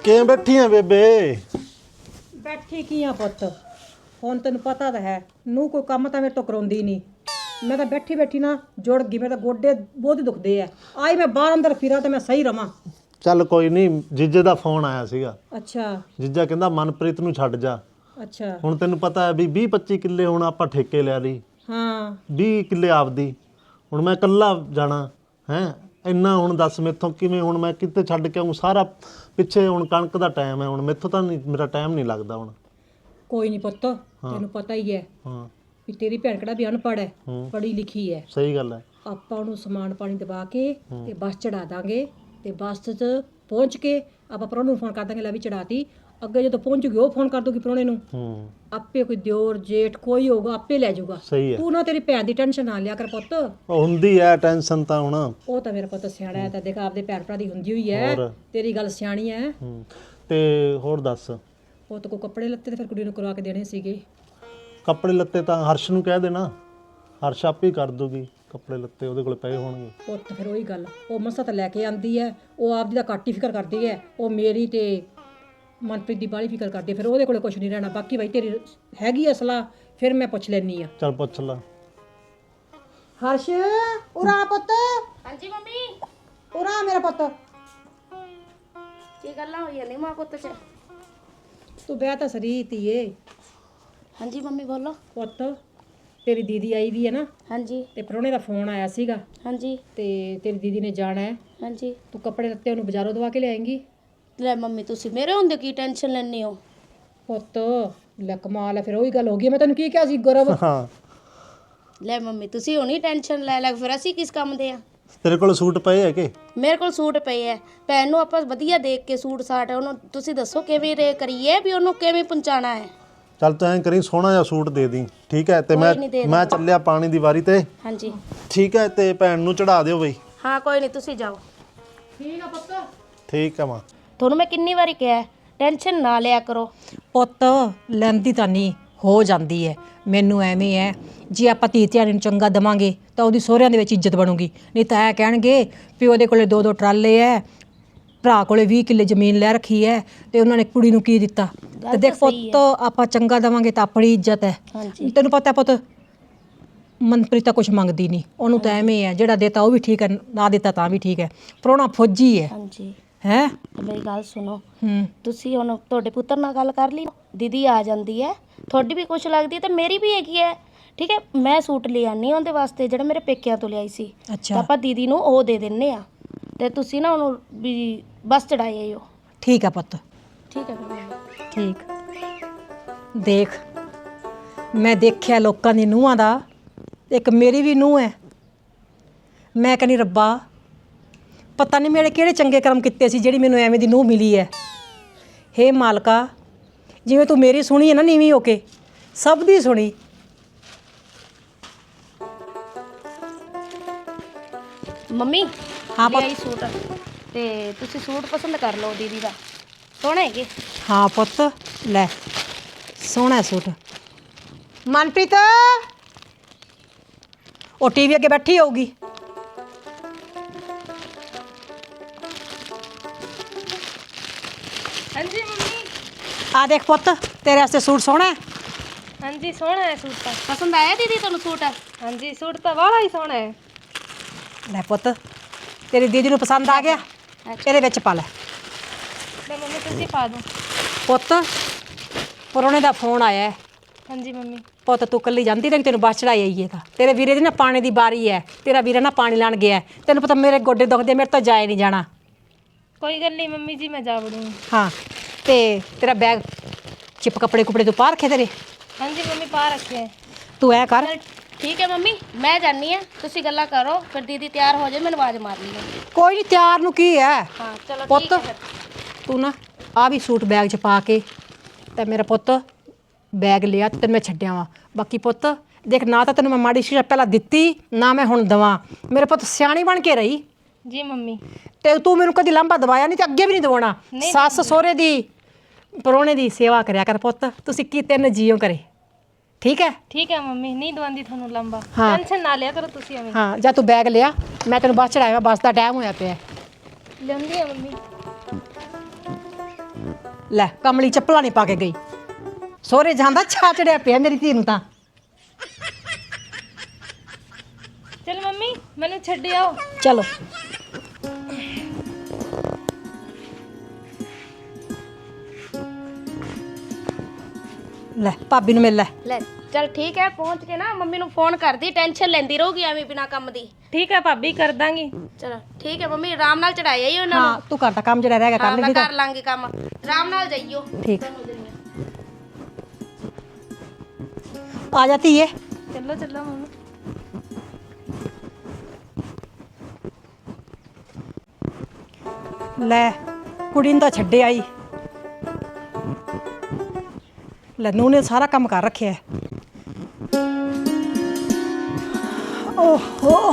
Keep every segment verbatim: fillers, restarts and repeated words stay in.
ਕਿਵੇਂ ਬੈਠੀ ਆ ਬੇਬੇ? ਬੈਠੀ ਕੀ ਆ ਪੁੱਤ, ਹੁਣ ਤੈਨੂੰ ਪਤਾ ਤਾਂ ਹੈ ਨੂੰ ਕੋਈ ਕੰਮ ਤਾਂ ਮੇਰੇ ਤੋਂ ਕਰਾਉਂਦੀ ਨਹੀਂ। ਮੈਂ ਤਾਂ ਬੈਠੀ ਬੈਠੀ ਨਾ ਜੁੜ ਗਈ, ਮੇਰੇ ਤਾਂ ਗੋਡੇ ਬਹੁਤ ਦੁਖਦੇ ਆ। ਆਈ ਮੈਂ ਬਾਹਰ ਅੰਦਰ ਫਿਰਾਂ ਤੇ ਮੈਂ ਸਹੀ ਰਵਾਂ। ਚੱਲ ਕੋਈ ਨਹੀਂ, ਜੀਜੇ ਦਾ ਫੋਨ ਆਇਆ ਸੀਗਾ। ਅੱਛਾ ਜੀਜਾ ਕਹਿੰਦਾ ਮਨਪ੍ਰੀਤ ਨੂੰ ਛੱਡ ਜਾ। ਅੱਛਾ ਹੁਣ ਤੈਨੂੰ ਪਤਾ ਹੈ ਵੀ ਵੀਹ ਪੱਚੀ ਕਿੱਲੇ ਹੁਣ ਆਪਾਂ ਠੇਕੇ ਲਿਆ ਲਈ, ਹਾਂ ਵੀਹ ਕਿੱਲੇ ਆਪਦੀ। ਹੁਣ ਮੈਂ ਇਕੱਲਾ ਜਾਣਾ ਹੈ, ਇੰਨਾ ਹੁਣ ਦੱਸ ਮੈਥੋਂ ਕਿਵੇਂ, ਹੁਣ ਮੈਂ ਕਿੱਥੇ ਛੱਡ ਕੇ ਆਊਂ? ਸਾਰਾ ਪਿੱਛੇ ਹੁਣ ਕਣਕ ਦਾ ਟਾਈਮ ਹੈ, ਹੁਣ ਮੈਥੋਂ ਤਾਂ ਨਹੀਂ, ਮੇਰਾ ਟਾਈਮ ਨਹੀਂ ਲੱਗਦਾ ਹੁਣ। ਕੋਈ ਨਹੀਂ ਪੁੱਤ, ਤੈਨੂੰ ਪਤਾ ਹੀ ਹੈ ਹਾਂ ਵੀ ਤੇਰੀ ਭੈਣ ਕਿਹੜਾ ਵੀ ਅਨਪੜ੍ਹ ਹੈ, ਪੜ੍ਹੀ ਲਿਖੀ ਹੈ। ਸਹੀ ਗੱਲ ਹੈ। ਆਪਾਂ ਉਹਨੂੰ ਸਮਾਨ ਪਾਣੀ ਦਵਾ ਕੇ ਤੇ ਬੱਸ ਚੜਾ ਦਾਂਗੇ ਤੇ ਬੱਸ 'ਚ ਪਹੁੰਚ ਕੇ ਆਪਾਂ ਪ੍ਰਾਹੁਣੇ ਨੂੰ ਫੋਨ ਕਰ ਦਾਂਗੇ, ਲੈ ਵੀ ਚੜਾਤੀ। ਅੱਗੇ ਜਦੋਂ ਪਹੁੰਚੂਗੀ ਉਹ ਫੋਨ ਕਰ ਦੂਗੀ ਪ੍ਰਾਹੁਣੇ ਨੂੰ, ਹੂੰ ਆਪੇ ਕੋਈ ਦਿਓਰ ਜੇਠ ਕੋਈ ਹੋਊਗਾ ਆਪੇ ਲੈ ਜਾਊਗਾ। ਸਹੀ ਹੈ। ਤੂੰ ਨਾ ਤੇਰੀ ਭੈਣ ਦੀ ਟੈਨਸ਼ਨ ਨਾ ਲਿਆ ਕਰ ਪੁੱਤ। ਉਹ ਹੁੰਦੀ ਹੈ ਟੈਨਸ਼ਨ ਤਾਂ ਹੁਣ। ਉਹ ਤਾਂ ਮੇਰਾ ਪੁੱਤ ਸਿਆਣਾ ਹੈ, ਤਾਂ ਦੇਖ ਆਪਦੇ ਭੈਣ ਭਰਾ ਦੀ ਹੁੰਦੀ ਹੋਈ ਹੈ। ਹੋਰ। ਤੇਰੀ ਗੱਲ ਸਿਆਣੀ ਹੈ। ਹੂੰ ਤੇ ਹੋਰ ਦੱਸ? ਪੁੱਤ ਕੋ ਕੱਪੜੇ ਲੱਤੇ ਤੇ ਫਿਰ ਕੁੜੀ ਨੂੰ ਕਰਵਾ ਕੇ ਦੇਣੇ ਸੀਗੇ। ਕੱਪੜੇ ਲੱਤੇ ਤਾਂ ਹਰਸ਼ ਨੂੰ ਕਹਿ ਦੇਣਾ, ਹਰਸ਼ ਆਪੇ ਹੀ ਕਰ ਦੂਗੀ। ਕੱਪੜੇ ਲੱਤੇ ਉਹਦੇ ਕੋਲ ਪਏ ਹੋਣਗੇ। ਪੁੱਤ ਫਿਰ ਉਹੀ ਗੱਲ, ਉਹ ਮਸਾ ਤਾਂ ਲੈ ਕੇ ਆਂਦੀ ਹੈ, ਉਹ ਆਪਦੀ ਦਾ ਘੱਟ ਹੀ ਫਿਕਰ ਕਰਦੀ ਹੈ। ਉਹ ਮੇਰੀ ਤੇ ਮਨਪ੍ਰੀਤ ਦੀ ਬਾਹਲੀ ਫਿਕਰ ਕਰਦੀ ਹੈ, ਫਿਰ ਉਹਦੇ ਕੋਲੇ ਕੁਝ ਨਹੀਂ ਰਹਿਣਾ। ਬਾਕੀ ਬਾਈ ਤੇਰੀ ਹੈਗੀ ਅਸਲਾ, ਫਿਰ ਮੈਂ ਪੁੱਛ ਲੈਣੀ ਆ। ਚੱਲ ਪੁੱਛ ਲਾ। ਹਰਸ਼ ਉਰਾ ਪੁੱਤ। ਹਾਂਜੀ ਮੰਮੀ। ਉਰਾ ਮੇਰਾ ਪੁੱਤ। ਕੀ ਗੱਲਾਂ ਹੋਈਆਂ ਨੇ ਮਾਂ ਪੁੱਤ ਚ? ਤੂੰ ਬਹਿ ਤਾਂ ਸਰੀ ਧੀਏ। ਹਾਂਜੀ ਮੰਮੀ ਬੋਲੋ। ਪੁੱਤ ਤੇਰੀ ਦੀਦੀ ਆਈ ਵੀ ਹੈ ਨਾ, ਹਾਂਜੀ ਤੇ ਪ੍ਰਾਹੁਣੇ ਦਾ ਫੋਨ ਆਇਆ ਸੀਗਾ ਹਾਂਜੀ ਤੇ ਤੇਰੀ ਦੀਦੀ ਨੇ ਜਾਣਾ ਹੈ। ਹਾਂਜੀ। ਤੂੰ ਕੱਪੜੇ ਲੱਤੇ ਉਹਨੂੰ ਬਾਜ਼ਾਰੋਂ ਦਵਾ ਕੇ ਲਿਆਏਂਗੀ। ਲੈ ਮੰਮੀ ਤੁਸੀਂ ਮੇਰੇ ਹੁੰਦੇ ਕੀ ਟੈਨਸ਼ਨ ਲੈਣੀ ਹੋ? ਪੁੱਤ ਲੈ ਕਮਾਲ ਹੈ, ਫਿਰ ਉਹੀ ਗੱਲ ਹੋ ਗਈ। ਮੈਂ ਤੈਨੂੰ ਕੀ ਕਿਹਾ ਸੀ ਗੁਰਵ? ਹਾਂ ਲੈ ਮੰਮੀ ਤੁਸੀਂ ਹੁਣੀ ਟੈਨਸ਼ਨ ਲੈ ਲੈ, ਫਿਰ ਅਸੀਂ ਕਿਸ ਕੰਮ ਦੇ ਆ? ਤੇਰੇ ਕੋਲ ਸੂਟ ਪਏ ਹੈ ਕਿ? ਮੇਰੇ ਕੋਲ ਸੂਟ ਪਏ ਐ। ਭੈਣ ਨੂੰ ਆਪਾਂ ਵਧੀਆ ਦੇਖ ਕੇ ਸੂਟ ਸਾਟ ਉਹਨੂੰ ਤੁਸੀਂ ਦੱਸੋ ਕਿਵੇਂ ਰੇ ਕਰੀਏ ਵੀ ਉਹਨੂੰ ਕਿਵੇਂ ਪਹੁੰਚਾਣਾ ਹੈ। ਚੱਲ ਤੂੰ ਐਂ ਕਰੀ, ਸੋਹਣਾ ਜਿਹਾ ਸੂਟ ਦੇ ਦੀ, ਠੀਕ ਹੈ? ਤੇ ਮੈਂ ਮੈਂ ਚੱਲਿਆ ਪਾਣੀ ਦੀ ਵਾਰੀ ਤੇ। ਹਾਂਜੀ ਠੀਕ ਹੈ, ਤੇ ਭੈਣ ਨੂੰ ਚੜਾ ਦਿਓ ਬਈ। ਹਾਂ ਕੋਈ ਨਹੀਂ ਤੁਸੀਂ ਜਾਓ। ਠੀਕ ਆ ਪੁੱਤ। ਠੀਕ ਹੈ ਮਾਂ। ਤੁਹਾਨੂੰ ਮੈਂ ਕਿੰਨੀ ਵਾਰੀ ਕਿਹਾ ਟੈਨਸ਼ਨ ਨਾ ਲਿਆ ਕਰੋ। ਪੁੱਤ ਲੈਂਦੀ ਤਾਂ ਨਹੀਂ, ਹੋ ਜਾਂਦੀ ਹੈ। ਮੈਨੂੰ ਐਵੇਂ ਹੈ ਜੇ ਆਪਾਂ ਧੀ ਧਿਆਣੀ ਨੂੰ ਚੰਗਾ ਦੇਵਾਂਗੇ ਤਾਂ ਉਹਦੀ ਸਹੁਰਿਆਂ ਦੇ ਵਿੱਚ ਇੱਜ਼ਤ ਬਣੂਗੀ। ਨਹੀਂ ਤਾਂ ਇਹ ਕਹਿਣਗੇ ਵੀ ਉਹਦੇ ਕੋਲੇ ਦੋ ਦੋ ਟਰਾਲੇ ਐ, ਭਰਾ ਕੋਲੇ ਵੀਹ ਕਿੱਲੇ ਜ਼ਮੀਨ ਲੈ ਰੱਖੀ ਹੈ ਤੇ ਉਹਨਾਂ ਨੇ ਕੁੜੀ ਨੂੰ ਕੀ ਦਿੱਤਾ। ਤੇ ਦੇਖ ਪੁੱਤ ਆਪਾਂ ਚੰਗਾ ਦੇਵਾਂਗੇ ਤਾਂ ਆਪਣੀ ਇੱਜ਼ਤ ਹੈ। ਤੈਨੂੰ ਪਤਾ ਪੁੱਤ ਮਨਪ੍ਰੀਤ ਤਾਂ ਕੁਛ ਮੰਗਦੀ ਨਹੀਂ, ਉਹਨੂੰ ਤਾਂ ਐਵੇਂ ਹੈ ਜਿਹੜਾ ਦਿੱਤਾ ਉਹ ਵੀ ਠੀਕ ਹੈ, ਨਾ ਦਿੱਤਾ ਤਾਂ ਵੀ ਠੀਕ ਹੈ। ਪ੍ਰਾਹੁਣਾ ਫੌਜੀ ਹੈ। ਹਾਂਜੀ ਹੈ ਮੇਰੀ ਗੱਲ ਸੁਣੋ, ਹੂੰ ਤੁਸੀਂ ਹੁਣ ਤੁਹਾਡੇ ਪੁੱਤਰ ਨਾਲ ਗੱਲ ਕਰ ਲਈ, ਦੀਦੀ ਆ ਜਾਂਦੀ ਹੈ, ਤੁਹਾਡੀ ਵੀ ਕੁਛ ਲੱਗਦੀ ਤੇ ਮੇਰੀ ਵੀ ਹੈਗੀ ਹੈ। ਠੀਕ ਹੈ, ਮੈਂ ਸੂਟ ਲੈ ਆਨੀ ਉਹਦੇ ਵਾਸਤੇ ਜਿਹੜਾ ਮੇਰੇ ਪੇਕਿਆਂ ਤੋਂ ਲਿਆਈ ਸੀ। ਅੱਛਾ ਤਾਂ ਆਪਾਂ ਦੀਦੀ ਨੂੰ ਉਹ ਦੇ ਦਿੰਨੇ ਆ ਤੇ ਤੁਸੀਂ ਨਾ ਉਹਨੂੰ ਵੀ ਬਸ ਚੜਾਈ ਆਇਓ। ਠੀਕ ਆ ਪੁੱਤ। ਠੀਕ ਹੈ ਮੰਮੀ। ਠੀਕ। ਦੇਖ ਮੈਂ ਦੇਖਿਆ ਲੋਕਾਂ ਦੀ ਨੂੰਹਾਂ ਦਾ, ਇੱਕ ਮੇਰੀ ਵੀ ਨੂੰਹ ਹੈ। ਮੈਂ ਕਹਿੰਦੀ ਰੱਬਾ ਪਤਾ ਨਹੀਂ ਮੇਰੇ ਕਿਹੜੇ ਚੰਗੇ ਕਰਮ ਕੀਤੇ ਸੀ ਜਿਹੜੀ ਮੈਨੂੰ ਐਵੇਂ ਦੀ ਨੂੰਹ ਮਿਲੀ ਹੈ। ਹੇ ਮਾਲਕਾ, ਜਿਵੇਂ ਤੂੰ ਮੇਰੀ ਸੁਣੀ ਹੈ ਨਾ ਨੀਵੀਂ ਹੋ ਕੇ, ਸਭ ਦੀ ਸੁਣੀ। ਮੰਮੀ ਹਾਂ ਪੁੱਤ। ਲਿਆਈ ਸੂਟ ਤੇ ਤੁਸੀਂ ਸੂਟ ਪਸੰਦ ਕਰ ਲਓ ਦੀਦੀ ਦਾ, ਸੋਹਣਾ ਹੈਗੇ। ਹਾਂ ਪੁੱਤ ਲੈ ਸੋਹਣਾ ਸੂਟ। ਮਨਪ੍ਰੀਤ ਉਹ ਟੀਵੀ ਅੱਗੇ ਬੈਠੀ ਹੋਊਗੀ। ਹਾਂਜੀ ਮੰਮੀ। ਆ ਦੇਖ ਪੁੱਤ ਤੇਰੇ ਵਾਸਤੇ ਸੂਟ ਸੋਹਣਾ ਹੈ। ਹਾਂਜੀ ਸੋਹਣਾ ਹੈ ਸੂਟ ਤਾਂ। ਪਸੰਦ ਆਇਆ ਦੀਦੀ ਤੁਹਾਨੂੰ ਸੂਟ? ਹਾਂਜੀ ਸੂਟ ਤਾਂ ਵਾਲਾ ਹੀ ਸੋਹਣਾ ਹੈ। ਲੈ ਪੁੱਤ ਤੇਰੀ ਦੀਦੀ ਨੂੰ ਪਸੰਦ ਆ ਗਿਆ, ਇਹਦੇ ਵਿੱਚ ਪਾ ਲੈ। ਲੈ ਮੰਮੀ ਤੁਸੀਂ ਪਾ ਦਿਓ। ਪੁੱਤ ਪ੍ਰਾਹੁਣੇ ਦਾ ਫੋਨ ਆਇਆ ਹੈ। ਹਾਂਜੀ ਮੰਮੀ। ਪੁੱਤ ਤੂੰ ਇਕੱਲੀ ਜਾਂਦੀ ਤਾਂ ਤੈਨੂੰ ਬੱਸ ਚੜਾਈ ਆਈਏ ਤਾਂ ਤੇਰੇ ਵੀਰੇ ਦੀ ਨਾ ਪਾਣੀ ਦੀ ਬਾਰੀ ਹੈ। ਤੇਰਾ ਵੀਰਾ ਨਾ ਪਾਣੀ ਲੈਣ ਗਿਆ। ਤੈਨੂੰ ਪਤਾ ਮੇਰੇ ਗੋਡੇ ਦੁਖਦੇ, ਮੇਰੇ ਤੋਂ ਜਾਏ ਨਹੀਂ ਜਾਣਾ। ਕੋਈ ਗੱਲ ਨਹੀਂ ਮੰਮੀ ਜੀ, ਮੈਂ ਜਾ ਵੜੂੰਗੀ। ਹਾਂ ਤੇ ਤੇਰਾ ਬੈਗ ਚਿਪ ਕੱਪੜੇ ਕੁਪੜੇ ਤੂੰ ਪਾ ਰੱਖੇ ਤੇਰੇ? ਹਾਂਜੀ ਮੰਮੀ ਪਾ ਰੱਖੇ। ਤੂੰ ਐ ਕਰ। ਠੀਕ ਹੈ ਮੰਮੀ, ਮੈਂ ਜਾਣੀ ਆ, ਤੁਸੀਂ ਗੱਲਾਂ ਕਰੋ, ਫਿਰ ਦੀਦੀ ਤਿਆਰ ਹੋ ਜਾਏ ਮੈਨੂੰ ਆਵਾਜ਼ ਮਾਰ ਲਈ। ਕੋਈ ਨਹੀਂ, ਤਿਆਰ ਨੂੰ ਕੀ ਹੈ। ਹਾਂ ਚਲੋ ਪੁੱਤ ਠੀਕ ਹੈ ਫਿਰ। ਤੂੰ ਨਾ ਆ ਵੀ ਸੂਟ ਬੈਗ 'ਚ ਪਾ ਕੇ ਤੇ ਮੇਰਾ ਪੁੱਤ ਬੈਗ ਲਿਆ ਤੇ ਤੈਨੂੰ ਮੈਂ ਛੱਡਿਆ ਵਾਂ। ਬਾਕੀ ਪੁੱਤ ਦੇਖ ਨਾ ਤਾਂ ਤੈਨੂੰ ਮੈਂ ਮਾੜੀ ਸ਼ੀਸ਼ਾ ਪਹਿਲਾਂ ਦਿੱਤੀ, ਨਾ ਮੈਂ ਹੁਣ ਦਵਾਂ। ਮੇਰੇ ਪੁੱਤ ਸਿਆਣੀ ਬਣ ਕੇ ਰਹੀ ਜੀ ਮੰਮੀ। ਤੇ ਤੂੰ ਮੈਨੂੰ ਕਦੀ ਲਾਂਭਾ ਦਵਾਇਆ ਨਹੀਂ ਤੇ ਅੱਗੇ ਵੀ ਨਹੀਂ ਦਵਾਉਣਾ। ਸੱਸ ਸਹੁਰੇ ਦੀ ਪ੍ਰਾਹੁਣੇ ਦੀ ਸੇਵਾ ਕਰਿਆ ਕਰ ਪੁੱਤ। ਤੁਸੀਂ ਕੀ ਤਿੰਨ ਜੀਓ ਕਰੇ, ਠੀਕ ਹੈ? ਠੀਕ ਹੈ ਮੰਮੀ, ਨਹੀਂ ਦਵਾਉਂਦੀ ਤੁਹਾਨੂੰ ਲੰਬਾ। ਹਾਂ। ਟੈਨਸ਼ਨ ਨਾ ਲਿਆ ਕਰੋ ਤੁਸੀਂ ਐਵੇਂ। ਹਾਂ ਜਾ ਤੂੰ ਬੈਗ ਲਿਆ, ਮੈਂ ਤੈਨੂੰ ਬੱਸ ਚੜਾਇਆ, ਬੱਸ ਦਾ ਟਾਈਮ ਹੋਇਆ ਪਿਆ। ਲਿਆਉਂਦੀ ਆ ਮੰਮੀ। ਲੈ ਕਮਲੀ ਚੱਪਲਾਂ ਨਹੀਂ ਪਾ ਕੇ ਗਈ ਸਹੁਰੇ ਜਾਂਦਾ ਛਾ ਚੜਿਆ ਪਿਆ ਮੇਰੀ ਧੀ ਨੂੰ ਤਾਂ। ਚਲ ਮੰਮੀ ਮੈਨੂੰ ਛੱਡ ਆਓ। ਚਲੋ ਲੈ ਭਾਬੀ ਨੂੰ ਮਿਲ ਲੈ। ਲੈ ਚਲ ਠੀਕ ਹੈ, ਪਹੁੰਚ ਕੇ ਨਾ ਮੰਮੀ ਨੂੰ ਫੋਨ ਕਰਦੀ, ਟੈਨਸ਼ਨ ਲੈਂਦੀ ਰਹੂਗੀ ਐਵੇਂ ਬਿਨਾ ਕੰਮ ਦੀ। ਠੀਕ ਹੈ ਭਾਬੀ ਕਰ ਦਾਂਗੀ। ਚਲੋ ਠੀਕ ਹੈ ਮੰਮੀ, ਆਰਾਮ ਨਾਲ ਚੜਾਇਆ ਹੀ ਉਹਨਾਂ ਨੂੰ। ਹਾਂ ਤੂੰ ਕਰਦਾ ਕੰਮ ਜਿਹੜਾ ਰਹਿ ਗਿਆ ਹਾਂ ਕਰ ਮੈਂ ਲਈ ਕਰ ਲਾਂਗੀ ਕੰਮ, ਆਰਾਮ ਨਾਲ ਜਾਈਓ। ਠੀਕ ਆ ਜਾਤੀ ਹੈ। ਚਲੋ ਚਲੋ ਮੰਮੀ। ਲੈ ਕੁੜੀ ਨੂੰ ਤਾਂ ਛੱਡੇ ਆਈ। ਲੈ ਨੂੰਹ ਨੇ ਸਾਰਾ ਕੰਮ ਕਰ ਰੱਖਿਆ ਹੈ। ਓਹੋ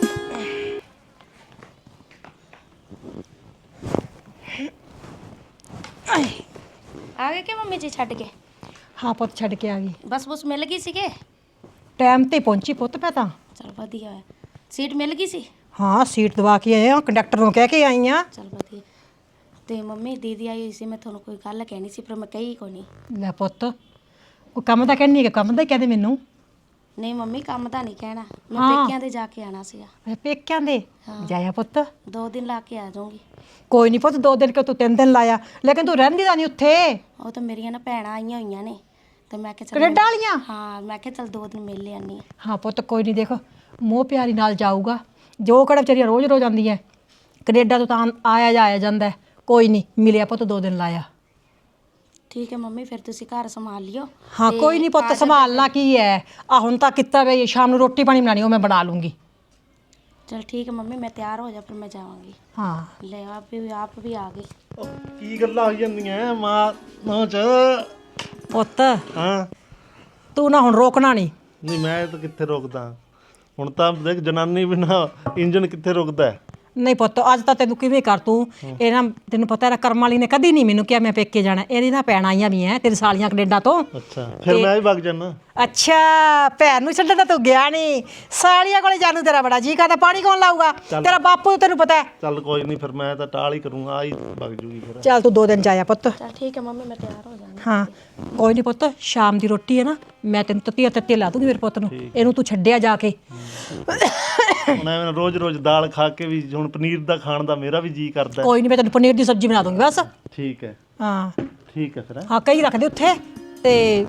ਆ ਗਏ ਕਿ ਮੰਮੀ ਜੀ ਛੱਡ ਕੇ? ਹਾਂ ਪੁੱਤ ਛੱਡ ਕੇ ਆ ਗਈ। ਬਸ ਬਸ ਮਿਲ ਗਈ ਸੀਗੇ? ਟਾਈਮ ਤੇ ਪਹੁੰਚੀ ਪੁੱਤ ਮੈਂ ਤਾਂ। ਚਲ ਵਧੀਆ ਹੋਇਆ, ਸੀਟ ਮਿਲ ਗਈ ਸੀ? ਹਾਂ ਸੀਟ ਦਵਾ ਕੇ ਆਏ ਆ, ਕੰਡਕਟਰ ਨੂੰ ਕਹਿ ਕੇ ਆਈ ਆ। ਚਲ ਵਧੀਆ। ਤੇ ਮੰਮੀ ਦੀਦੀ ਆਈ ਹੋਈ ਸੀ, ਮੈਂ ਤੁਹਾਨੂੰ ਕੋਈ ਗੱਲ ਕਹਿਣੀ ਸੀ ਪਰ ਮੈਂ ਕਹੀ ਕੋਈ ਨਹੀਂ। ਲੈ ਪੁੱਤ ਕੋਈ ਕੰਮ ਤਾਂ ਕਹਿੰਨੀ ਹੈ, ਕੰਮ ਦਾ ਹੀ ਕਹਦੇ ਮੈਨੂੰ। ਨਹੀਂ ਮੰਮੀ ਕੰਮ ਤਾਂ ਨਹੀਂ ਕਹਿਣਾ, ਮੈਂ ਹਾਂ। ਪੇਕਿਆਂ ਦੇ ਜਾ ਕੇ ਆਣਾ ਸੀਗਾ। ਮੈਂ ਪੇਕਿਆਂ ਦੇ ਹਾਂ। ਜਾਇਆ ਪੁੱਤ। ਦੋ ਦਿਨ ਲਾ ਕੇ ਆ ਜਾਊਂਗੀ। ਕੋਈ ਨਹੀਂ ਪੁੱਤ ਦੋ ਦਿਨ ਕਿ ਤੂੰ ਤਿੰਨ ਦਿਨ ਲਾਇਆ, ਲੇਕਿਨ ਤੂੰ ਰਹਿੰਦੀ ਤਾਂ ਨਹੀਂ ਉੱਥੇ। ਉਹ ਤਾਂ ਮੇਰੀਆਂ ਨਾ ਭੈਣਾਂ ਆਈਆਂ ਹੋਈਆਂ ਨੇ ਤੇ ਮੈਂ ਕਿਹਾ ਚੱਲ ਕੈਨੇਡਾ ਵਾਲੀਆਂ? ਹਾਂ ਮੈਂ ਕਿਹਾ ਚੱਲ ਦੋ ਦਿਨ ਮਿਲ ਲਿਆਨੀ ਆ। ਹਾਂ ਪੁੱਤ ਕੋਈ ਨਹੀਂ, ਦੇਖ ਮੋਹ ਪਿਆਰੀ ਨਾਲ ਜਾਊਗਾ, ਜੋ ਕਿਹੜਾ ਵਿਚਾਰੀਆਂ ਰੋਜ਼ ਰੋਜ਼ ਆਉਂਦੀਆਂ ਕੈਨੇਡਾ ਤੋਂ ਤਾਂ ਆਇਆ ਜਾਇਆ ਜਾਂਦਾ। ਕੋਈ ਨਹੀਂ ਮਿਲਿਆ ਪੁੱਤ ਦੋ ਦਿਨ ਲਾਇਆ। ਠੀਕ ਹੈ ਮੰਮੀ, ਫਿਰ ਤੁਸੀਂ ਘਰ ਸੰਭਾਲ ਲਿਓ। ਹਾਂ ਤੇ ਕੋਈ ਨਹੀਂ ਪੁੱਤ ਆ ਜਾ- ਸੰਭਾਲਣਾ ਕੀ ਹੈ, ਆ ਹੁਣ ਤਾਂ ਕੀਤਾ ਗਈ ਸ਼ਾਮ ਨੂੰ ਰੋਟੀ ਪਾਣੀ ਬਣਾਣੀ ਉਹ ਮੈਂ ਬਣਾ ਲੂੰਗੀ। ਚਲ ਠੀਕ ਹੈ ਮੰਮੀ, ਮੈਂ ਤਿਆਰ ਹੋ ਜਾ ਫਿਰ ਮੈਂ ਜਾਵਾਂਗੀ। ਹਾਂ ਲੈ ਆਪ ਵੀ ਆਪ ਵੀ ਆ ਗਈ। ਉਹ ਕੀ ਗੱਲਾਂ ਹੋਈ ਜਾਂਦੀਆਂ ਮਾਂ ਮਾਂ ਚ? ਪੁੱਤ ਹਾਂ ਤੂੰ ਨਾ ਹੁਣ ਰੋਕਣਾ ਨਹੀਂ। ਨਹੀਂ ਮੈਂ ਤਾਂ ਕਿੱਥੇ ਰੁਕਦਾ ਹੁਣ, ਤਾਂ ਦੇਖ ਜਨਾਨੀ ਬਿਨਾ ਇੰਜਨ ਕਿੱਥੇ ਰੁਕਦਾ ਹੈ? ਨਹੀਂ ਪੁੱਤ ਅੱਜ ਤਾਂ ਤੈਨੂੰ ਕਿਵੇਂ ਕਰ ਤੂੰ ਇਹ ਨਾ, ਤੈਨੂੰ ਪਤਾ ਹੈ ਕਰਮ ਵਾਲੀ ਨੇ ਕਦੀ ਨਹੀਂ ਮੈਨੂੰ ਕਿਹਾ ਮੈਂ ਪੇਕੇ ਜਾਣਾ। ਇਹਦੀ ਨਾ ਭੈਣ ਆਈਆਂ ਵੀ ਐ ਤੇਰੀ ਸਾਲੀਆਂ ਕੈਨੇਡਾ ਤੋਂ। ਅੱਛਾ ਫਿਰ ਮੈਂ ਵੀ ਵਗ ਜਾਣਾ। ਅੱਛਾ ਭੈਣ ਨੂੰ ਛੱਡਣ ਤਾਂ ਤੂੰ ਗਿਆ ਨਹੀਂ, ਸਾਲੀਆਂ ਕੋਲੇ ਜਾਣੂ ਤੇਰਾ ਬੜਾ ਜੀ ਕਰਦਾ। ਪਾਣੀ ਕੌਣ ਲਾਊਗਾ? ਤੇਰਾ ਬਾਪੂ ਤੈਨੂੰ ਪਤਾ ਹੈ। ਚੱਲ ਕੋਈ ਨਹੀਂ ਫਿਰ ਮੈਂ ਤਾਂ ਟਾਲ ਹੀ ਕਰੂੰਗਾ, ਆ ਹੀ ਵਗ ਜੂਗੀ ਫਿਰ। ਚੱਲ ਤੂੰ ਦੋ ਦਿਨ ਜਾਇਆ ਪੁੱਤ। ਚਲ ਠੀਕ ਹੈ ਮੰਮੀ, ਮੈਂ ਤਿਆਰ ਹੋ ਜਾਣਾ। ਹਾਂ ਕੋਈ ਨਹੀਂ ਪੁੱਤ, ਸ਼ਾਮ ਦੀ ਰੋਟੀ ਹੈ ਨਾ ਮੈਂ ਤੈਨੂੰ ਤੱਤੀਆਂ ਤੱਤੀਆਂ ਲਾ ਦੂੰਗੀ ਮੇਰੇ ਪੁੱਤ ਨੂੰ, ਇਹਨੂੰ ਤੂੰ ਛੱਡਿਆ ਜਾ ਕੇ। ਹੁਣ ਐਵੇਂ ਰੋਜ਼ ਰੋਜ਼ ਦਾਲ ਖਾ ਕੇ ਵੀ ਹੁਣ ਪਨੀਰ ਦਾ ਖਾਣ ਦਾ ਮੇਰਾ ਵੀ ਜੀ ਕਰਦਾ। ਕੋਈ ਨਹੀਂ ਮੈਂ ਤੈਨੂੰ ਪਨੀਰ ਦੀ ਸਬਜ਼ੀ ਬਣਾ ਦੂੰਗੀ ਬਸ। ਠੀਕ ਹੈ ਹਾਂ ਠੀਕ ਹੈ ਫਿਰ। ਹਾਂ ਕਈ ਰੱਖਦੇ ਉੱਥੇ ਤੇ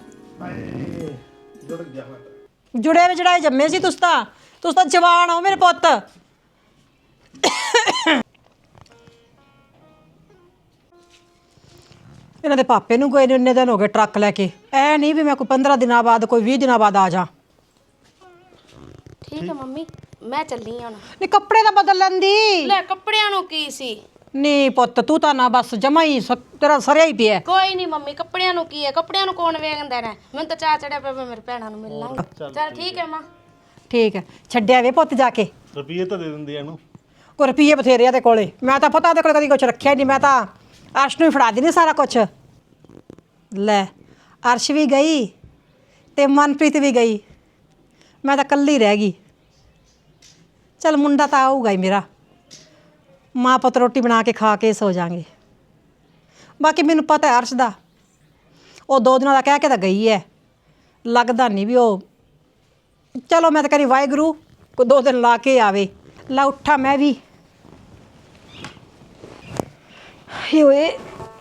ਜੁੜ ਗਿਆ ਮੈਂ। ਜੁੜੇ ਵਿੱਚ ਜੜਾਏ ਜੰਮੇ ਸੀ ਤੁਸੀਂ ਤਾਂ, ਤੁਸੀਂ ਤਾਂ ਜਵਾਨ ਹੋ ਮੇਰੇ ਪੁੱਤ। ਇਹਨਾਂ ਦੇ ਪਾਪੇ ਨੂੰ ਕੋਈ ਇੰਨੇ ਦਿਨ ਹੋ ਗਏ ਟਰੱਕ ਲੈ ਕੇ, ਐ ਨਹੀਂ ਵੀ ਮੈਂ ਕੋਈ ਪੰਦਰਾਂ ਦਿਨਾਂ ਬਾਅਦ ਕੋਈ ਵੀਹ ਦਿਨਾਂ ਬਾਅਦ ਆ ਜਾ। ਠੀਕ ਹੈ ਮੰਮੀ, ਮੈਂ ਚੱਲੀ ਹਾਂ ਹੁਣ। ਨਹੀਂ ਕੱਪੜੇ ਤਾਂ ਬਦਲ ਲੈਂਦੀ। ਲੈ ਕੱਪੜਿਆਂ ਨੂੰ ਕੀ ਸੀ? ਨਹੀਂ ਪੁੱਤ ਤੂੰ ਤਾਂ ਨਾ ਬਸ ਜਮਾ ਹੀ ਸ- ਤੇਰਾ ਸਰਿਆ ਹੀ ਪਿਆ। ਕੋਈ ਨਹੀਂ ਮੰਮੀ, ਕੱਪੜਿਆਂ ਨੂੰ ਕੀ ਹੈ, ਕੱਪੜਿਆਂ ਨੂੰ ਕੌਣ ਵੇਖਦਾ ਨਾ। ਮੈਨੂੰ ਤਾਂ ਚਾਹ ਚੜਿਆ ਪਿਆ, ਮੈਂ ਮੇਰੇ ਭੈਣਾਂ ਨੂੰ ਮਿਲ ਲਾਂਗੀ। ਚਲ ਠੀਕ ਹੈ ਮਾਂ। ਠੀਕ ਹੈ ਛੱਡਿਆ ਵੇ ਪੁੱਤ ਜਾ ਕੇ। ਰੁਪਈਏ ਤਾਂ ਦੇ ਦਿੰਦੀ ਇਹਨੂੰ। ਕੋਈ ਰੁਪਈਏ ਬਥੇਰੇ ਆ ਦੇ ਕੋਲੇ, ਮੈਂ ਤਾਂ ਪਤਾ ਉਹਦੇ ਕੋਲ ਕਦੀ ਕੁਛ ਰੱਖਿਆ ਨਹੀਂ। ਮੈਂ ਤਾਂ ਅਰਸ਼ ਨੂੰ ਹੀ ਫੜਾ ਦਿੰਦੀ ਸਾਰਾ ਕੁਛ। ਲੈ ਅਰਸ਼ ਵੀ ਗਈ ਤੇ ਮਨਪ੍ਰੀਤ ਵੀ ਗਈ, ਮੈਂ ਤਾਂ ਇਕੱਲੀ ਰਹਿ ਗਈ। ਚਲ ਮੁੰਡਾ ਤਾਂ ਆਊਗਾ ਹੀ ਮੇਰਾ, ਮਾਂ ਪੁੱਤ ਰੋਟੀ ਬਣਾ ਕੇ ਖਾ ਕੇ ਸੋ ਜਾਾਂਗੇ। ਬਾਕੀ ਮੈਨੂੰ ਪਤਾ ਹੈ ਅਰਸ਼ ਦਾ, ਉਹ ਦੋ ਦਿਨਾਂ ਦਾ ਕਹਿ ਕੇ ਤਾਂ ਗਈ ਹੈ, ਲੱਗਦਾ ਨਹੀਂ ਵੀ ਉਹ। ਚਲੋ ਮੈਂ ਤਾਂ ਕਰੀ ਵਾਹਿਗੁਰੂ ਕੋਈ ਦੋ ਦਿਨ ਲਾ ਕੇ ਆਵੇ। ਲਾ ਉੱਠਾ ਮੈਂ ਵੀ। ਹੇ ਓਏ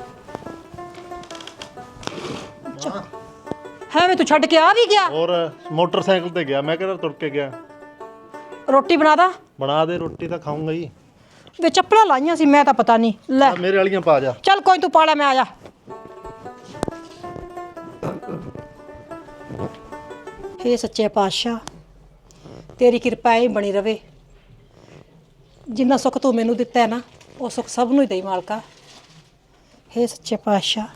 ਹੈ ਮੈਂ ਤੂੰ ਛੱਡ ਕੇ ਆ ਵੀ ਗਿਆ? ਹੋਰ ਮੋਟਰਸਾਈਕਲ ਤੇ ਗਿਆ, ਮੈਂ ਕਿਹੜਾ ਤੁਰ ਕੇ ਗਿਆ। ਰੋਟੀ ਬਣਾ ਦਾ। ਬਣਾ ਦੇ, ਰੋਟੀ ਤਾਂ ਖਾਊਂਗਾ ਹੀ। ਵੇ ਚੱਪਲਾਂ ਲਾਈਆਂ ਸੀ ਮੈਂ ਤਾਂ ਪਤਾ ਨਹੀਂ। ਲੈ ਆ ਮੇਰੇ ਵਾਲੀਆਂ ਪਾ ਜਾ। ਚੱਲ ਕੋਈ ਤੂੰ ਪਾਲਾ, ਮੈਂ ਆ ਜਾ। ਹੇ ਸੱਚੇ ਪਾਤਸ਼ਾਹ ਤੇਰੀ ਕਿਰਪਾ ਐਂ ਬਣੀ ਰਵੇ। ਜਿੰਨਾ ਸੁੱਖ ਤੂੰ ਮੈਨੂੰ ਦਿੱਤਾ ਹੈ ਨਾ ਉਹ ਸੁੱਖ ਸਭ ਨੂੰ ਹੀ ਦੇਈ ਮਾਲਕਾ। ਹੇ ਸੱਚੇ ਪਾਤਸ਼ਾਹ।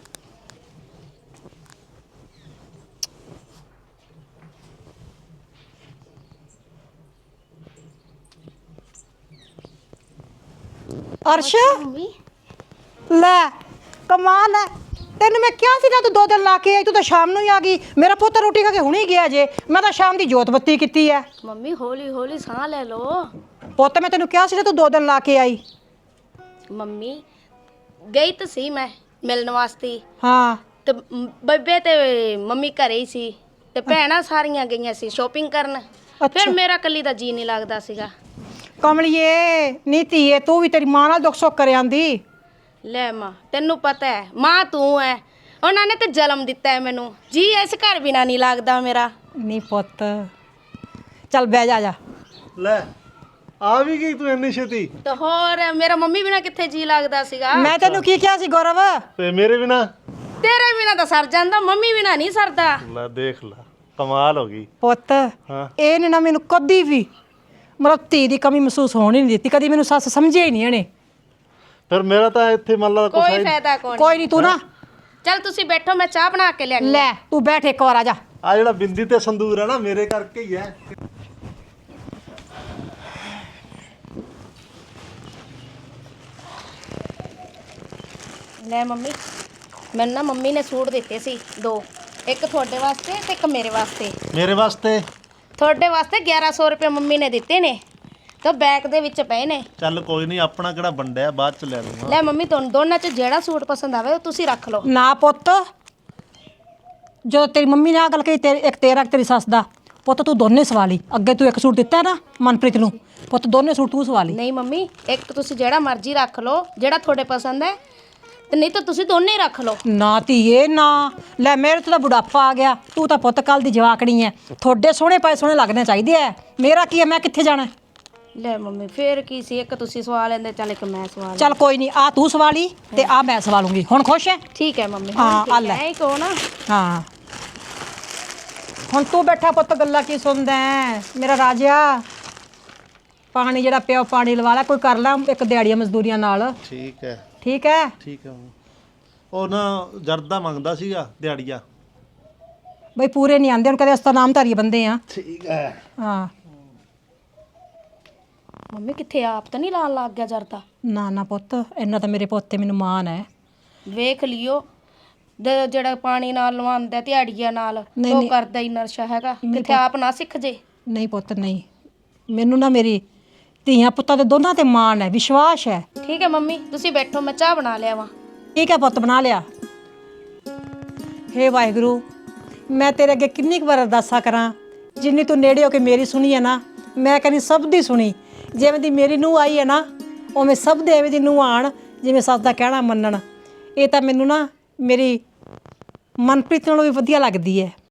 ਅਰਸ਼ ਮੰਮੀ ਲੈ ਕਮਾਲ ਹੈ, ਤੈਨੂੰ ਮੈਂ ਕਿਹਾ ਸੀ ਨਾ ਤੂੰ ਦੋ ਦਿਨ ਲਾ ਕੇ ਆਈ, ਤੂੰ ਤਾਂ ਸ਼ਾਮ ਨੂੰ ਹੀ ਆ ਗਈ। ਮੇਰਾ ਪੁੱਤ ਰੋਟੀ ਖਾ ਕੇ ਹੁਣੇ ਗਿਆ ਜੇ, ਮੈਂ ਤਾਂ ਸ਼ਾਮ ਦੀ ਜੋਤ ਬੱਤੀ ਕੀਤੀ ਹੈ। ਮੰਮੀ ਹੌਲੀ ਹੌਲੀ ਸਾਹ ਲੈ ਲਓ। ਪੁੱਤ ਮੈਂ ਤੈਨੂੰ ਕਿਹਾ ਸੀ ਨਾ ਤੂੰ ਦੋ ਦਿਨ ਲਾ ਕੇ ਆਈ। ਮੰਮੀ ਗਈ ਤਾਂ ਸੀ ਮੈਂ, ਮਿਲਣ ਵਾਸਤੇ। ਹਾਂ ਤੇ ਮ- ਬੇਬੇ ਤੇ ਮੰਮੀ ਘਰੇ ਹੀ ਸੀ ਤੇ ਭੈਣਾਂ ਸਾਰੀਆਂ ਗਈਆਂ ਸੀ ਸ਼ੋਪਿੰਗ ਕਰਨ। ਫਿਰ ਮੇਰਾ ਇਕੱਲੀ ਦਾ ਜੀ ਨਹੀਂ ਲੱਗਦਾ ਸੀਗਾ। ਕਮਲੀਏ ਨੀ ਧੀਏ, ਤੂੰ ਵੀ ਤੇਰੀ ਮਾਂ ਨਾਲ ਦੁੱਖ ਸੁੱਖ ਕਰ ਆਂਦੀ। ਲੈ ਮਾਂ, ਤੈਨੂੰ ਪਤਾ ਹੈ ਮਾਂ ਤੂੰ ਹੈ, ਉਹਨਾਂ ਨੇ ਤੇ ਜਨਮ ਦਿੱਤਾ ਹੈ ਮੈਨੂੰ, ਜੀ ਇਸ ਘਰ ਬਿਨਾ ਨਹੀਂ ਲੱਗਦਾ ਮੇਰਾ। ਨੀ ਪੁੱਤ ਚੱਲ ਬਹਿ ਜਾ ਜਾ। ਲੈ ਆ ਵੀ ਗਈ ਤੂੰ ਇੰਨੀ ਛੇਤੀ? ਤੇ ਹੋਰ ਮੇਰਾ ਮੰਮੀ ਬਿਨਾ ਕਿੱਥੇ ਜੀ ਲੱਗਦਾ ਸੀਗਾ। ਮੈਂ ਤੈਨੂੰ ਕੀ ਕਿਹਾ ਸੀ ਗੌਰਵ? ਤੇ ਮੇਰੇ ਬਿਨਾ? ਤੇਰੇ ਬਿਨਾ ਤਾਂ ਸਰ ਜਾਂਦਾ, ਮੰਮੀ ਬਿਨਾ ਨਹੀਂ ਸਰਦਾ। ਲੈ ਦੇਖ ਲੈ, ਕਮਾਲ ਹੋ ਗਈ। ਪੁੱਤ ਹਾਂ ਇਹ ਨੇ ਨਾ ਮੈਨੂੰ ਕਦੀ ਵੀ ਮਤਲਬ ਧੀ ਦੀ ਕਮੀ ਮਹਿਸੂਸ ਹੋਣ ਹੀ ਨਹੀਂ ਦਿੱਤੀ, ਕਦੀ ਮੈਨੂੰ ਸੱਸ ਸਮਝਿਆ ਹੀ ਨਹੀਂ ਇਹਨੇ। ਫਿਰ ਮੇਰਾ ਤਾਂ ਇੱਥੇ ਮੰਨ ਲਾ ਕੁਛ ਕੋਈ ਹੈ ਫਾਇਦਾ ਕੋਈ ਕੋਈ ਨਹੀਂ, ਤੂੰ ਨਾ ਚਲ ਤੁਸੀਂ ਬੈਠੋ, ਮੈਂ ਚਾਹ ਬਣਾ ਕੇ ਲਿਆਣੀ। ਲੈ ਤੂੰ ਬੈਠ ਇੱਕ ਵਾਰ ਆ ਜਾ। ਆ ਜਿਹੜਾ ਬਿੰਦੀ ਤੇ ਸੰਦੂਰ ਹੈ ਨਾ ਮੇਰੇ ਕਰਕੇ ਹੀ ਹੈ। ਲੈ ਮੰਮੀ, ਮੈਨੂੰ ਨਾ ਮੰਮੀ ਨੇ ਸੂਟ ਦਿੱਤੇ ਸੀ ਦੋ, ਇੱਕ ਤੁਹਾਡੇ ਵਾਸਤੇ ਤੇ ਇੱਕ ਮੇਰੇ ਵਾਸਤੇ। ਮੇਰੇ ਵਾਸਤੇ? ਤੁਹਾਡੇ ਵਾਸਤੇ ਗਿਆਰਾਂ ਸੌ ਰੁਪਏ ਮੰਮੀ ਨੇ ਦਿੱਤੇ ਨੇ ਤੇ ਬੈਗ ਦੇ ਵਿੱਚ ਪਏ ਨੇ। ਚੱਲ ਕੋਈ ਨਹੀਂ, ਆਪਣਾ ਕਿਹੜਾ ਵੰਡਿਆ, ਬਾਅਦ ਚ ਲੈ ਲੂੰਗਾ। ਲੈ ਮੰਮੀ, ਤੁਹਾਨੂੰ ਦੋਨਾਂ ਚ ਜਿਹੜਾ ਸੂਟ ਪਸੰਦ ਆਵੇ ਉਹ ਤੁਸੀਂ ਰੱਖ ਲਓ। ਨਾ ਪੁੱਤ, ਜਦੋਂ ਤੇਰੀ ਮੰਮੀ ਨੇ ਆ ਗੱਲ ਕਹੀ, ਤੇਰੇ ਇੱਕ ਤੇਰਾ ਇੱਕ ਤੇਰੀ ਸੱਸ ਦਾ, ਪੁੱਤ ਤੂੰ ਦੋਨੇ ਸਵਾ ਲਈ। ਅੱਗੇ ਤੂੰ ਇੱਕ ਸੂਟ ਦਿੱਤਾ ਹੈ ਨਾ ਮਨਪ੍ਰੀਤ ਨੂੰ, ਪੁੱਤ ਦੋਨੇ ਸੂਟ ਤੂੰ ਸਵਾ ਲਈ। ਨਹੀਂ ਮੰਮੀ, ਇੱਕ ਤੁਸੀਂ ਜਿਹੜਾ ਮਰਜ਼ੀ ਰੱਖ ਲਓ, ਜਿਹੜਾ ਤੁਹਾਡੇ ਪਸੰਦ ਹੈ, ਤੇ ਨਹੀਂ ਤਾਂ ਤੁਸੀਂ ਦੋਨੇ ਹੀ ਰੱਖ ਲਓ। ਨਾ ਧੀਏ ਨਾ, ਲੈ ਮੇਰੇ ਤੋਂ ਤਾਂ ਬੁਢਾਪਾ ਆ ਗਿਆ, ਤੂੰ ਤਾਂ ਪੁੱਤ ਕੱਲ ਦੀ ਜਵਾਕੜੀ ਐ। ਤੁਹਾਡੇ ਸੋਹਣੇ ਪਾਏ ਸੋਹਣੇ ਲੱਗਣੇ ਚਾਹੀਦੇ ਐ, ਮੇਰਾ ਕੀ ਐ, ਮੈਂ ਕਿੱਥੇ ਜਾਣਾ? ਲੈ ਮੰਮੀ ਫੇਰ ਕੀ ਸੀ, ਇੱਕ ਤੁਸੀਂ ਸਵਾ ਲੈਂਦੇ, ਚੱਲ ਇੱਕ ਮੈਂ ਸਵਾ ਲਾਂ। ਚੱਲ ਕੋਈ ਨਹੀਂ, ਆ ਤੂੰ ਸਵਾ ਲਈ ਤੇ ਆ ਮੈਂ ਸਵਾ ਲੂੰਗੀ। ਹੁਣ ਖੁਸ਼ ਐ? ਠੀਕ ਹੈ ਮੰਮੀ। ਹਾਂ, ਆ ਲੈ। ਐਂ ਕਹੋ ਨਾ। ਹਾਂ ਹੁਣ ਤੂੰ ਬੈਠਾ ਪੁੱਤ, ਗੱਲਾਂ ਕੀ ਸੁਣਦਾ ਹੈ ਮੇਰਾ ਰਾਜਾ? ਪਾਣੀ ਜਿਹੜਾ ਪਿਆ ਪਾਣੀ ਲਵਾ ਲੈ, ਕੋਈ ਕਰ ਲੈ ਇੱਕ ਦਿਹਾੜੀਆਂ ਮਜ਼ਦੂਰੀਆਂ ਨਾਲ। ਠੀਕ ਹੈ ਠੀਕ ਹੈ ਠੀਕ ਹੈ। ਉਹ ਨਾ ਜਰਦਾ ਮੰਗਦਾ ਸੀਗਾ ਦਿਹਾੜੀਆ। ਬਈ ਪੂਰੇ ਨਹੀਂ ਆਂਦੇ ਹੁਣ, ਕਦੇ ਅਸਤਾ ਨਾਮ ਧਾਰੀ ਬੰਦੇ ਆ। ਠੀਕ ਹੈ। ਹਾਂ ਮੰਮੀ ਕਿੱਥੇ ਆਪ ਤਾਂ ਨਹੀਂ ਲਾਣ ਲੱਗ ਗਿਆ ਜਰਦਾ? ਨਾ ਨਾ ਪੁੱਤ, ਇੰਨਾ ਤਾਂ ਮੇਰੇ ਪੁੱਤ ਤੇ ਮੈਨੂੰ ਮਾਣ ਹੈ। ਵੇਖ ਲਿਓ, ਜ- ਜਿਹੜਾ ਪਾਣੀ ਨਾਲ ਲਵਾਉਂਦਾ ਦਿਹਾੜੀਆਂ ਨਾਲ, ਨਹੀਂ, ਉਹ ਨਹੀਂ। ਕਰਦਾ ਹੀ ਨਰਸ਼ਾ ਹੈਗਾ, ਕਿੱਥੇ ਆਪ ਨਾ ਸਿੱਖ ਜੇ। ਨਹੀਂ ਪੁੱਤ ਨਹੀਂ, ਮੈਨੂੰ ਨਾ ਮੇਰੀ ਧੀਆਂ ਪੁੱਤਾਂ ਦੇ ਦੋਨਾਂ ਤੇ ਮਾਣ ਹੈ, ਵਿਸ਼ਵਾਸ ਹੈ। ਠੀਕ ਹੈ ਮੰਮੀ, ਤੁਸੀਂ ਬੈਠੋ, ਮੈਂ ਚਾਹ ਬਣਾ ਲਿਆ ਵਾ। ਠੀਕ ਹੈ ਪੁੱਤ, ਬਣਾ ਲਿਆ। ਹੇ ਵਾਹਿਗੁਰੂ, ਮੈਂ ਤੇਰੇ ਅੱਗੇ ਕਿੰਨੀ ਕੁ ਵਾਰ ਅਰਦਾਸਾਂ ਕਰਾਂ, ਜਿੰਨੀ ਤੂੰ ਨੇੜੇ ਹੋ ਕੇ ਮੇਰੀ ਸੁਣੀ ਹੈ ਨਾ, ਮੈਂ ਕਹਿੰਦੀ ਸਭ ਦੀ ਸੁਣੀ। ਜਿਵੇਂ ਦੀ ਮੇਰੀ ਨੂੰਹ ਆਈ ਹੈ ਨਾ, ਉਵੇਂ ਸਭ ਦੇ ਐਵੇਂ ਦੀ ਨੂੰਹ ਆਣ, ਜਿਵੇਂ ਸੱਸ ਦਾ ਕਹਿਣਾ ਮੰਨਣ। ਇਹ ਤਾਂ ਮੈਨੂੰ ਨਾ ਮੇਰੀ ਮਨਪ੍ਰੀਤ ਨਾਲੋਂ ਵੀ ਵਧੀਆ ਲੱਗਦੀ ਹੈ।